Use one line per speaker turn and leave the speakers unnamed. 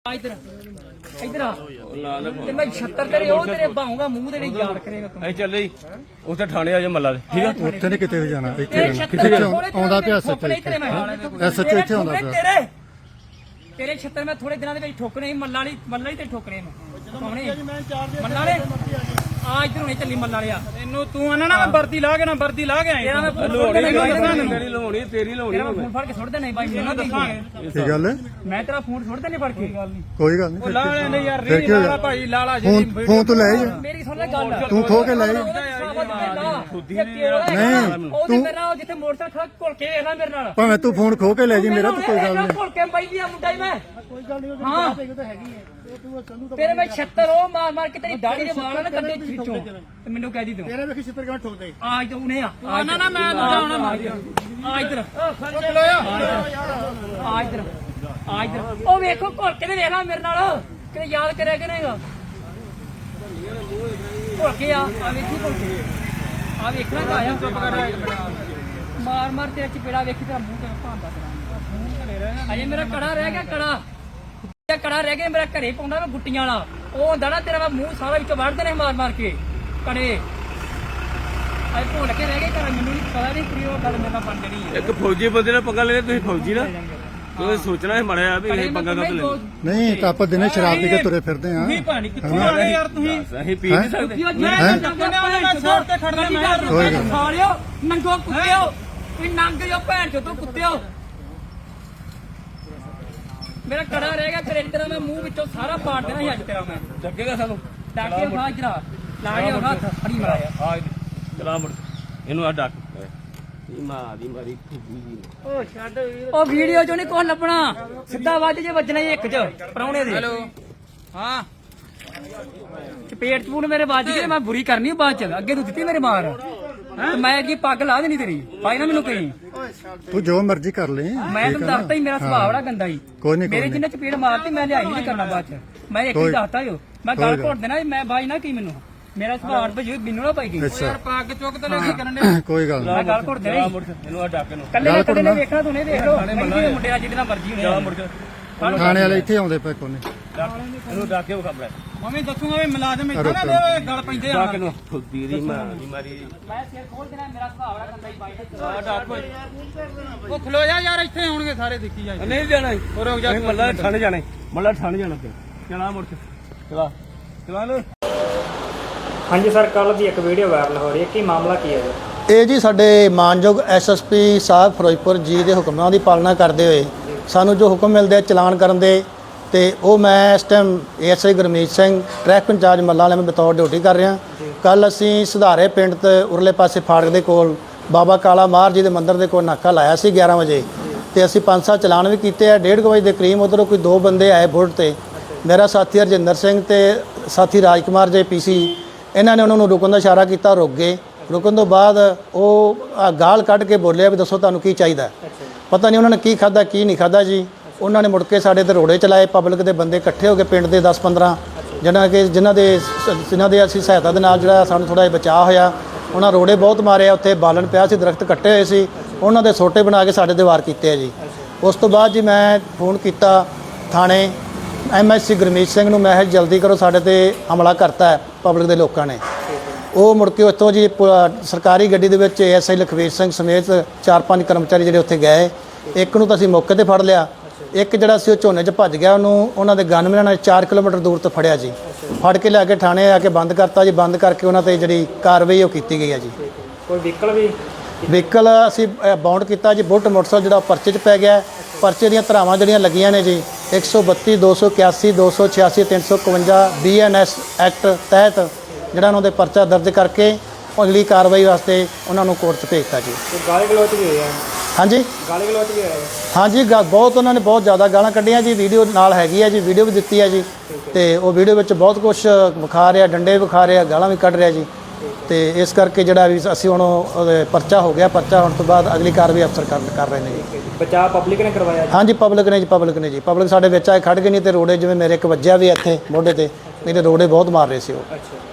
इधर इधर आ ते मैं 76 तेरे ओ तेरे बाहूंगा मुंह तेरे याद करेगा तू
ਅਸੀਂ ਚੱਲੇ ਜੀ ਉੱਥੇ ਥਾਣੇ ਆ ਜਾ ਮੱਲਾ ਦੇ ਠੀਕ ਆ
ਉੱਥੇ ਨਹੀਂ ਕਿਤੇ ਵੀ ਜਾਣਾ ਇੱਥੇ
तेरे
ਰਹਿਣਾ।
76
ਕਿਤੇ ਆਉਂਦਾ ਪਿਆ ਸੱਚ
तेरे मैं
SHO ਇੱਥੇ ਆਉਂਦਾ ਪਿਆ।
तेरे 76 मैं थोड़े दिनों ਦੇ ਵਿੱਚ ਠੋਕਣੇ ਸੀ ਮੱਲਾ ਹੀ ਤੇ ਠੋਕਣੇ ਮੈਂ ਕੌਣੇ ਮੱਲਾ ਵਾਲੇ ਆ ਇਧਰ ਹੁਣੇ ਚੱਲੀ ਮੱਲਾ ਵਾਲਿਆ
ਤੈਨੂੰ ਤੂੰ ਆਣਾ ਨਾ ਮੈਂ ਵਰਦੀ ਲਾ ਕੇ ਆਇਆ
ਤੇਰਾ ਮੈਂ
ਤੇਰੀ ਲਵਾਉਣੀ ਤੇਰੀ ਲਵਾਉਣੀ
ਤੇਰਾ ਮੈਂ ਫੋਨ ਫੜ ਕੇ ਸੁੱਟ ਦੇਣਾ ਬਾਈ ਮੈਨੂੰ ਦੱਸਾਂਗੇ
ਕੀ ਗੱਲ ਹੈ?
ਮੈਂ ਤੇਰਾ ਫੋਨ ਸੁੱਟ ਦੇਣੇ ਫੜ ਕੇ
ਕੋਈ ਗੱਲ ਨਹੀਂ
ਲਾ ਲੈਣੇ ਯਾਰ
ਫਿਰ
ਰੀ
ਕੀ ਹੋਇਆ?
ਲਾਲਾ ਭਾਈ ਲਾਲਾ ਜੀ
ਫੋਨ ਤੋਂ ਲੈ ਜਾ
ਮੇਰੀ ਸੁਣ ਲੈ ਗੱਲ
ਤੂੰ ਖੋ ਕੇ ਲੈ ਜਾ
ਨਹੀਂ ਤੂੰ ਮੇਰੇ ਨਾਲ ਜਿੱਥੇ ਮੋਟਰਸਾਈਕਲ ਖੜਾ ਘੁਲ ਕੇ ਵੇਖ ਲੈ ਮੇਰੇ ਨਾਲ
ਭਾਵੇਂ ਤੂੰ ਫੋਨ ਖੋ ਕੇ ਲੈ ਜੀ ਮੇਰਾ ਤਾਂ ਕੋਈ ਗੱਲ ਨਹੀਂ
ਘੁਲ ਕੇ ਬਾਈ ਦੀ ਆ ਮੁੰਡਾ ਹੀ ਮੈਂ ਕੋਈ ਗੱਲ ਨਹੀਂ ਹਾਂ ਤੇਰੇ ਮੈਂ 76 ਉਹ ਮਾਰ ਕੇ ਤੇਰੀ ਦਾੜੀ ਦੇ ਵਾਲਾਂ ਨਾ ਕੱਢੇ ਖਿੱਚੋ ਤੇ ਮੈਨੂੰ ਕਹਿ ਦੀ ਤੂੰ
ਤੇਰੇ ਵੇਖੀ ਛਿੱਤਰ ਕਿਵੇਂ ਠੋਕਦੇ
ਆ ਤੂੰ ਨੇ ਆ
ਨਾ ਨਾ ਮੈਂ ਦੂਜਾ ਆਉਣਾ ਮਾਰ
ਆ ਇਧਰ
ਖਲੋਇਆ
ਆ ਇਧਰ ਆ ਇਧਰ ਉਹ ਵੇਖੋ ਘੁਲ ਕੇ ਤੇ ਵੇਖ ਲੈ ਮੇਰੇ ਨਾਲ ਕਿਤੇ ਯਾਦ ਕਰਿਆ ਕਿ ਨਹੀਂਗਾ ਘੁਲ ਕੇ ਆ ਵੇਖੀ ਘੁਲ ਕੇ ਆ ਵੇਖਣਾ ਤਾਂ ਆਇਆ ਚੁੱਪ ਕਰ ਮਾਰ ਤੇਰਾ ਚਪੇੜਾ ਵੇਖੀ ਤੇਰਾ ਮੂੰਹ ਤੇ ਭਾਂਦਾ ਤੇਰਾ ਅਜੇ ਮੇਰਾ ਕੜਾ ਰਹਿ ਗਿਆ ਕੜਾ ਰਹਿ ਗਿਆ ਮੇਰਾ ਘਰੇ ਪਾਉਂਦਾ ਮੈਂ ਗੁੱਟੀਆਂ ਵਾਲਾ ਉਹ ਹੁੰਦਾ ਨਾ ਤੇਰਾ ਮੂੰਹ ਸਾਰਾ ਵਿੱਚੋਂ ਵੜਦੇ ਨੇ ਮਾਰ ਕੇ ਕੜੇ ਅਜੇ ਭੁੱਲ ਕੇ ਰਹਿ ਗਏ ਘਰ ਮੈਨੂੰ ਨਹੀਂ ਪਤਾ ਨਹੀਂ ਕਿ ਉਹ ਗੱਲ ਮੇਰੇ ਨਾਲ ਬਣ ਜਣੀ ਹੈ
ਇੱਕ ਫੌਜੀ ਬੰਦੇ ਨਾਲ ਪੰਗਾ ਲੈਣੇ ਤੁਸੀਂ ਫੌਜੀ ਨਾ ਤੁਸੀਂ ਸੋਚਣਾ ਹੈ ਮੜਿਆ ਵੀ ਇਹ ਪੰਗਾ ਕਦ ਲੈਣਾ
ਨਹੀਂ ਤਾਂ ਆਪਾਂ ਦਿਨੇ ਸ਼ਰਾਬ ਪੀ ਕੇ ਤੁਰੇ ਫਿਰਦੇ ਆ
ਨਹੀਂ ਭਾਣੀ ਕਿੱਥੋਂ ਆ ਗਏ ਯਾਰ ਤੁਸੀਂ
ਅਸੀਂ ਪੀ ਨਹੀਂ ਸਕਦੇ
ਮੈਂ ਛੋੜ ਤੇ ਖੜਨਾ ਮੈਂ
ਕੋਈ ਗੱਲ
ਸਾਲਿਓ ਨੰਗੋ ਕੁੱਤਿਓ ਵੀ ਨੰਗ ਜੋ ਭੈਣ ਚੋ ਤੂੰ ਕੁੱਤਿਓ ਮੇਰਾ ਕੜਾ ਰਹਿ ਗਿਆ ਤੇਰੇ ਤੇਰਾ ਮੈਂ ਮੂੰਹ ਵਿੱਚੋਂ ਸਾਰਾ ਪਾੜ ਦੇਣਾ ਸੀ ਅੱਜ ਤੇਰਾ ਮੈਂ
ਚੱਕੇਗਾ ਸਾਨੂੰ
ਡਾਕੇ ਖਾ ਜਰਾ ਲਾ ਕੇ ਹੱਥ ਫੜੀ ਮਾਰਿਆ
ਆ ਚਲਾ ਮੁੜ ਇਹਨੂੰ ਆ ਡੱਕ ਇਹ ਮਾਂ ਦੀ ਮਾਰੀ ਖੁੱਬੀ ਜੀ
ਉਹ ਛੱਡ ਉਹ ਵੀਡੀਓ ਚੋਂ ਨਹੀਂ ਕੁਝ ਲੱਭਣਾ ਸਿੱਧਾ ਵੱਜ ਜੇ ਵੱਜਣਾ ਹੀ ਇੱਕ ਚ ਪਰੌਣੇ ਦੇ
ਹੈਲੋ ਹਾਂ
ਚਪੇਟ ਚਪੂਨ ਮੇਰੇ ਵੱਜ ਗਏ ਮੈਂ ਬੁਰੀ ਕਰਨੀ ਬਾਅਦ ਚ ਅੱਗੇ ਤੂੰ ਦਿੱਤੀ ਮੇਰੇ ਮਾਰ ਤੇ ਮੈਂ ਅੱਗੇ ਪੱਗ ਲਾ ਦੇਣੀ ਤੇਰੀ ਪਾਈ ਨਾ ਮੈਨੂੰ ਕਹੀਂ
ਤੂੰ ਜੋ ਮਰਜ਼ੀ ਕਰ ਲੈ
ਮੈਂ ਤੈਨੂੰ ਦੱਸਤਾ ਹੀ ਮੇਰਾ ਸੁਭਾਅ ਬੜਾ ਗੰਦਾ ਹੀ
ਕੋਈ ਨਹੀਂ
ਮੇਰੇ ਜਿੰਨੇ ਚਪੇੜ ਮਾਰਤੀ ਮੈਂ ਲਿਆਈ ਨਹੀਂ ਕਰਨਾ ਬਾਅਦ ਚ ਮੈਂ ਇੱਕ ਹੀ ਦੱਸਤਾ ਹੀ ਮੈਂ ਗੱਲ ਘੋਟ ਦੇਣਾ ਮੈਂ ਬਾਈ ਨਾ ਕੀ ਮੈਨੂੰ ਮੇਰਾ ਸੁਭਾਅ ਭਜੂ ਮੈਨੂੰ ਨਾ ਪਾਈ ਗਈ
ਅੱਛਾ
ਪੱਗ ਚੁੱਕ ਤੇ ਲੈ ਕੇ ਕਰਨ ਦੇ
ਕੋਈ ਗੱਲ
ਮੈਂ ਗੱਲ ਘੋਟ ਦੇਣਾ
ਮੁੜ ਇਹਨੂੰ ਆ ਡੱਕ ਇਹਨੂੰ
ਕੱਲੇ ਨੇ ਵੇਖਣਾ ਤੂੰ ਨੇ ਵੇਖ ਲੋ ਮੁੰਡੇ ਨਾਲ ਜਿਹਦੇ ਨਾਲ ਮਰਜੀ ਹੋਣੇ
ਮੁੜ
ਥਾਣੇ ਵਾਲੇ ਇੱਥੇ ਆਉਂਦੇ ਪਏ ਕੋਨੇ
ਇਹਨੂੰ ਡੱਕ ਕੇ ਉਹ ਖਬਰ
ਮੰਮੀ ਦੱਸੂਗਾ ਵੀ ਮੁਲਾਜ਼ਮ ਇੱਥੇ ਨਾ ਦੇ ਗੱਲ ਪੈਂਦੇ ਆ
ਡੱਕ ਇਹਨੂੰ ਖੁੱਬੀ ਦੀ ਮਾਂ ਦੀ ਮਾਰੀ
ਮੈਂ ਸਿਰ ਖੋਲ ਦੇਣਾ ਮੇਰਾ ਸੁਭਾਅ ਬੜਾ ਗੰਦਾ ਹੀ ਬਾਈ
ਆ ਡੱਕ
ਉਹ ਖਲੋਇਆ ਯਾਰ ਇੱਥੇ ਆਉਣਗੇ ਸਾਰੇ ਦੇਖੀ ਜਾਏ
ਨਹੀਂ ਜਾਣਾ
ਉਹ ਰੁਕ ਜਾ
ਮੱਲਾ ਠੰਡ ਜਾਣਾ ਮੱਲਾ ਠੰਡ ਜਾਣਾ ਤੇ ਚਲਾ ਮੁੜ ਚਲਾ ਲੋ
ਹਾਂਜੀ ਸਰ ਕੱਲ ਦੀ ਇੱਕ ਵੀਡੀਓ ਵਾਇਰਲ ਹੋ ਰਹੀ ਹੈ ਕੀ ਮਾਮਲਾ ਕੀ ਹੈ ਜੀ
ਇਹ ਜੀ ਸਾਡੇ ਮਾਨਯੋਗ ਐਸਐਸਪੀ ਸਾਹਿਬ ਫਿਰੋਜ਼ਪੁਰ ਜੀ ਦੇ ਹੁਕਮਾਂ ਦੀ ਪਾਲਣਾ ਕਰਦੇ ਹੋਏ ਸਾਨੂੰ ਜੋ ਹੁਕਮ ਮਿਲਦੇ ਆ ਚਲਾਨ ਕਰਨ ਦੇ ਤੇ ਉਹ ਮੈਂ ਇਸ time ASI Gurmeet Singh traffic incharge ਮੱਲਾ ਵਾਲੇ ਮੈਂ ਬਤੌਰ ਡਿਊਟੀ ਕਰ ਰਿਹਾ ਕੱਲ ਅਸੀਂ ਸੁਧਾਰੇ ਪਿੰਡ ਤੇ ਉਰਲੇ ਪਾਸੇ ਫਾੜਕ ਦੇ ਕੋਲ ਬਾਬਾ ਕਾਲਾ ਮਾਰ ਜੀ ਦੇ ਮੰਦਿਰ ਦੇ ਕੋਲ ਨਾਕਾ ਲਾਇਆ ਸੀ 11 ਵਜੇ ਤੇ ਅਸੀਂ 5-7 ਚਲਾਨ ਵੀ ਕੀਤੇ ਆ 1:30 ਵਜੇ ਦੇ ਕਰੀਬ ਉਧਰੋਂ ਕੋਈ 2 ਬੰਦੇ ਆਏ ਬੁਲਟ ਤੇ ਮੇਰਾ ਸਾਥੀ ਹਰਜਿੰਦਰ ਸਿੰਘ ਤੇ ਸਾਥੀ ਰਾਜਕੁਮਾਰ ਜੇ ਪੀਸੀ ਇਹਨਾਂ ਨੇ ਉਹਨਾਂ ਨੂੰ ਰੁਕਣ ਦਾ ਇਸ਼ਾਰਾ ਕੀਤਾ ਰੁਕ ਗਏ ਰੁਕਣ ਤੋਂ ਬਾਅਦ ਉਹ ਗਾਲ ਕੱਢ ਕੇ ਬੋਲਿਆ ਵੀ ਦੱਸੋ ਤੁਹਾਨੂੰ ਕੀ ਚਾਹੀਦਾ ਪਤਾ ਨਹੀਂ ਉਹਨਾਂ ਨੇ ਕੀ ਖਾਦਾ ਕੀ ਨਹੀਂ ਖਾਦਾ ਜੀ ਉਹਨਾਂ ਨੇ ਮੁੜ ਕੇ ਸਾਡੇ ਤੇ ਰੋੜੇ ਚਲਾਏ ਪਬਲਿਕ ਦੇ ਬੰਦੇ ਇਕੱਠੇ ਹੋ ਕੇ ਪਿੰਡ ਦੇ 10-15 ਜਿਨ੍ਹਾਂ ਦੇ ਅਸੀਂ ਸਹਾਇਤਾ ਦੇ ਨਾਲ ਜਿਹੜਾ ਸਾਨੂੰ ਥੋੜਾ ਜਿਹਾ ਬਚਾਅ ਹੋਇਆ ਉਹਨਾਂ ਰੋੜੇ ਬਹੁਤ ਮਾਰੇ ਉੱਥੇ ਬਾਲਣ ਪਿਆ ਸੀ ਦਰਖਤ ਕੱਟੇ ਹੋਏ ਸੀ ਉਹਨਾਂ ਦੇ ਸੋਟੇ ਬਣਾ ਕੇ ਸਾਡੇ ਤੇ ਵਾਰ ਕੀਤੇ ਆ ਜੀ ਉਸ ਤੋਂ ਬਾਅਦ ਜੀ ਮੈਂ ਫੋਨ ਕੀਤਾ ਥਾਣੇ ਐਮਐਸਸੀ ਗੁਰਮੀਤ ਸਿੰਘ ਨੂੰ ਮੈਂ ਜਲਦੀ ਕਰੋ ਸਾਡੇ ਤੇ ਹਮਲਾ ਕਰਤਾ ਹੈ ਪਬਲਿਕ ਦੇ ਲੋਕਾਂ ਨੇ ਉਹ ਮੁੜ ਕੇ ਉੱਥੋਂ ਜੀ ਸਰਕਾਰੀ ਗੱਡੀ ਦੇ ਵਿੱਚ ਐਸਆਈ ਲਖਵੀਰ ਸਿੰਘ ਸਮੇਤ 4-5 ਕਰਮਚਾਰੀ ਜਿਹੜੇ ਉੱਥੇ ਗਏ ਇੱਕ ਨੂੰ ਤਾਂ ਅਸੀਂ ਮੌਕੇ ਤੇ ਫੜ ਲਿਆ ਇੱਕ ਜਿਹੜਾ ਸੀ ਉਹ ਝੋਨੇ 'ਚ ਭੱਜ ਗਿਆ ਉਹਨੂੰ ਉਹਨਾਂ ਦੇ ਗਨਮੈਨਾਂ ਨੇ 4 ਕਿਲੋਮੀਟਰ ਦੂਰ ਤੋਂ ਫੜਿਆ ਜੀ ਫੜ ਕੇ ਲਿਆ ਕੇ ਥਾਣੇ ਆ ਕੇ ਬੰਦ ਕਰਤਾ ਜੀ ਬੰਦ ਕਰਕੇ ਉਹਨਾਂ ਤੇ ਜਿਹੜੀ ਕਾਰਵਾਈ ਉਹ ਕੀਤੀ ਗਈ ਹੈ ਜੀ
ਕੋਈ
ਵਹੀਕਲ ਅਸੀਂ ਬਾਉਂਡ ਕੀਤਾ ਜੀ ਬੁਲਟ ਮੋਟਰਸਾਈਕਲ ਜਿਹੜਾ ਪਰਚੇ 'ਚ ਪੈ ਗਿਆ ਪਰਚੇ ਦੀਆਂ ਧਾਰਾਵਾਂ ਜਿਹੜੀਆਂ ਲੱਗੀਆਂ ਨੇ ਜੀ 132 281 286 351 BNS ਐਕਟ ਤਹਿਤ ਜਿਹੜਾ ਉਹਨਾਂ ਦੇ ਪਰਚਾ ਦਰਜ ਕਰਕੇ ਅਗਲੀ ਕਾਰਵਾਈ ਵਾਸਤੇ ਉਹਨਾਂ ਨੂੰ ਕੋਰਟ 'ਚ ਭੇਜਤਾ ਜੀ
ਗਾਲੀ ਗਲੋਚ ਵੀ ਹੋਇਆ
ਹਾਂਜੀ ਹਾਂਜੀ ਬਹੁਤ ਉਹਨਾਂ ਨੇ ਬਹੁਤ ਜ਼ਿਆਦਾ ਗਾਲਾਂ ਕੱਢੀਆਂ ਜੀ ਵੀਡੀਓ ਨਾਲ ਹੈਗੀ ਹੈ ਜੀ ਵੀਡੀਓ ਵੀ ਦਿੱਤੀ ਹੈ ਜੀ ਤੇ ਉਹ ਵੀਡੀਓ ਵਿੱਚ ਬਹੁਤ ਕੁਝ ਵਿਖਾ ਰਿਹਾ ਡੰਡੇ ਵਿਖਾ ਰਿਹਾ ਗਾਲਾਂ ਵੀ ਕੱਢ ਰਿਹਾ ਜੀ ਤੇ ਇਸ ਕਰਕੇ ਜਿਹੜਾ ਵੀ ਅਸੀਂ ਹੁਣ ਪਰਚਾ ਹੋ ਗਿਆ ਪਰਚਾ ਹੋਣ ਤੋਂ ਬਾਅਦ ਅਗਲੀ ਕਾਰਵਾਈ ਅਫਸਰ ਕਰ ਰਹੇ ਨੇ ਜੀ
ਬਚਾਅ ਪਬਲਿਕ ਨੇ ਕਰਵਾਇਆ
ਹਾਂਜੀ ਪਬਲਿਕ ਨੇ ਜੀ ਪਬਲਿਕ ਸਾਡੇ ਵਿੱਚ ਆਏ ਖੜ ਗਏ ਨਹੀਂ ਤੇ ਰੋੜੇ ਜਿਵੇਂ ਮੇਰੇ ਇੱਕ ਵੱਜਿਆ ਵੀ ਇੱਥੇ ਮੋਢੇ ਤੇ ਨਹੀਂ ਤੇ ਰੋੜੇ ਬਹੁਤ ਮਾਰ ਰਹੇ ਸੀ ਉਹ